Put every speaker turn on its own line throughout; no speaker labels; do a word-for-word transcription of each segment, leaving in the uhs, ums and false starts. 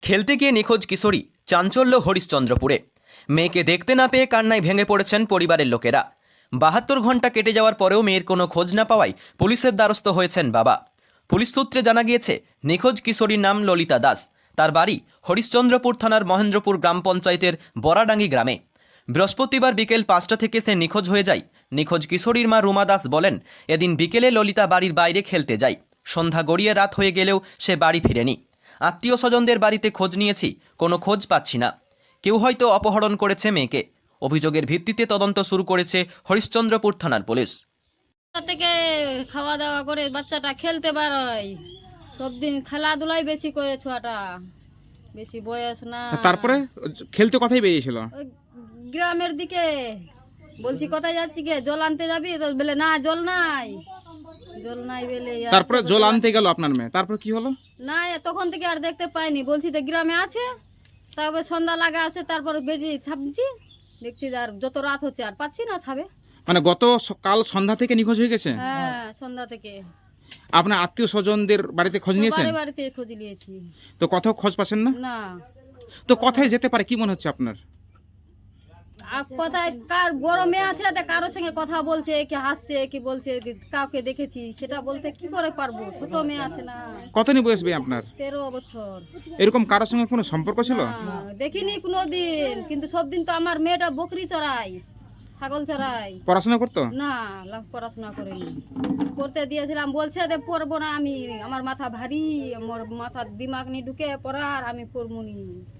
খেলতে গিয়ে নিখোঁজ কিশোরী, চাঞ্চল্য হরিশ্চন্দ্রপুরে। মেয়েকে দেখতে না পেয়ে কান্নায় ভেঙে পড়েছেন পরিবারের লোকেরা। বাহাত্তর ঘন্টা কেটে যাওয়ার পরেও মেয়ের কোনো খোঁজ না পাওয়ায় পুলিশের দ্বারস্থ হয়েছেন বাবা। পুলিশ সূত্রে জানা গিয়েছে, নিখোঁজ কিশোরীর নাম ললিতা দাস। তার বাড়ি হরিশ্চন্দ্রপুর থানার মহেন্দ্রপুর গ্রাম পঞ্চায়েতের বরাডাঙ্গি গ্রামে। বৃহস্পতিবার বিকেল পাঁচটা থেকে সে নিখোঁজ হয়ে যায়। নিখোঁজ কিশোরীর মা রুমা দাস বলেন, এদিন বিকেলে ললিতা বাড়ির বাইরে খেলতে যায়। সন্ধ্যা গড়িয়ে রাত হয়ে গেলেও সে বাড়ি ফিরেনি। আত্মীয় স্বজনদের বাড়িতে খোঁজ নিয়েছি, কোনো খোঁজ পাচ্ছি না। কেউ হয়তো অপহরণ করেছে মেয়েকে। অভিযোগের ভিত্তিতে তদন্ত শুরু করেছে হরিশ্চন্দ্রপুর থানার পুলিশ।
থেকে খাওয়া দাওয়া করে বাচ্চাটা খেলতে পারয়, সব দিন খেলাধুলাই বেশি করে, ছোয়াটা বেশি বয়স না।
তারপরে খেলতে কোথায় বেরিয়েছিল?
ওই গ্রামের দিকে। বলছি কোথায় যাচ্ছি গে, জল আনতে যাবি? তো বলে না, জল নাই, জল নাই বলে।
তারপরে জল আনতে গেল আপনার মেয়ে, তারপর কি হলো?
না, তখন থেকে আর দেখতে পাইনি। বলছি তো গ্রামে আছে, তারপরে সন্ধ্যা লাগা আছে, তারপরে বেরিয়ে ছাপছি, দেখছি আর যত রাত হচ্ছে আর পাচ্ছি না ছাবে।
মানে গত কাল সন্ধ্যা থেকে নিখোঁজ হয়ে গেছে?
হ্যাঁ, সন্ধ্যা থেকে।
আপনার আত্মীয় স্বজনদের বাড়িতে খোঁজ নিয়েছেন?
বাড়ি বাড়িতে খোঁজ নিয়েছি,
তো কোথাও খোঁজ পাচ্ছেন না?
না।
তো কোথায় যেতে পারে কি মনে হচ্ছে আপনার?
আর কোথায় কার গরমে আছে, কারোর সঙ্গে কথা বলছে, কি হাসছে, কি বলছে, কাউকে দেখেছি সেটা বলতে কি করে পারবো? ছোট মেয়ে আছে না।
কত নিয়ে বয়স ভাই আপনার?
তেরো বছর।
এরকম কারোর সঙ্গে কোনো সম্পর্ক ছিল?
না, দেখিনি কোনোদিন। কিন্তু সব দিন তো আমার মেয়েটা বকরি চড়াই, ছাগল চড়াই।
পড়াশোনা করতো
না, লাভ পড়াশোনা করেনি। করতে দিয়েছিলাম, বলছে যে পড়বো না আমি, আমার মাথা ভারী, আমার মাথার দিমাগ নিয়ে ঢুকে পড়ার, আমি পড়বো নি।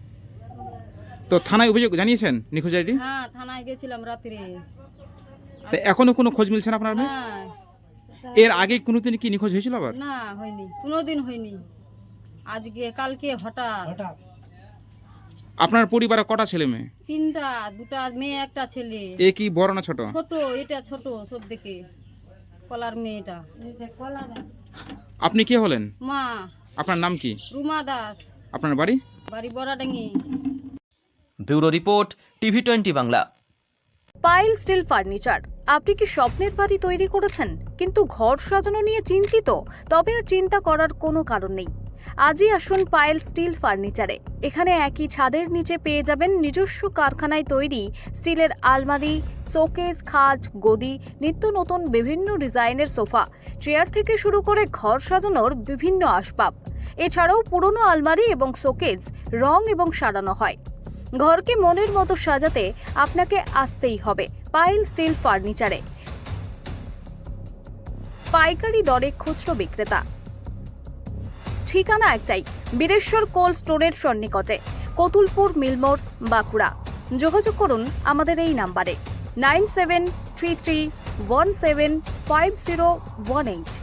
তো থানায় অভিযোগ জানিয়েছেন নিখোঁজ আইডি?
হ্যাঁ, থানায় গেছিলাম রাত্রে।
তো এখনো কোনো খোঁজ মিলছে না আপনার মেয়ে?
হ্যাঁ।
এর আগে কোনোদিন কি নিখোঁজ হয়েছিল আবার?
না, হয়নি, কোনোদিন হয়নি। আজকে কালকে হঠাৎ।
আপনার পরিবারে কটা ছেলে মেয়ে?
তিনটা, দুটা মেয়ে, একটা ছেলে।
এ কি বড় না ছোট?
ছোট, এটা ছোট সব থেকে, কলার মেয়েটা।
আপনি কে হলেন?
মা।
আপনার নাম কি?
রুমা দাস।
আপনার বাড়ি?
বাড়ি Baradangi.
Bureau report, TV twenty Bangla.
পাইল স্টিল ফার্নিচার। আপনি কি স্বপ্নের বাড়ি তৈরি করেছেন কিন্তু ঘর সাজানো নিয়ে চিন্তিত? তবে আর চিন্তা করার কোনো কারণ নেই। আজই আসুন পাইল স্টিল ফার্নিচারে। এখানে একই ছাদের নিচে পেয়ে যাবেন নিজস্ব কারখানায় তৈরি স্টিলের আলমারি, শোকেস, খাট, গদি, নিত্য নতুন বিভিন্ন ডিজাইনের সোফা, চেয়ার থেকে শুরু করে ঘর সাজানোর বিভিন্ন আসবাব। এছাড়াও পুরনো আলমারি এবং শোকেস রং এবং সারানো হয়। ঘরকে মনের মতো সাজাতে আপনাকে আসতেই হবে পাইল স্টিল ফার্নিচারে। পাইকারি দরে খুচরো বিক্রেতা। ঠিকানা একটাই, বীরেশ্বর কোল্ড স্টোরের সন্নিকটে, কতুলপুর মিলমোড়, বাঁকুড়া। যোগাযোগ করুন আমাদের এই নাম্বারে nine seven three three one seven five zero one eight.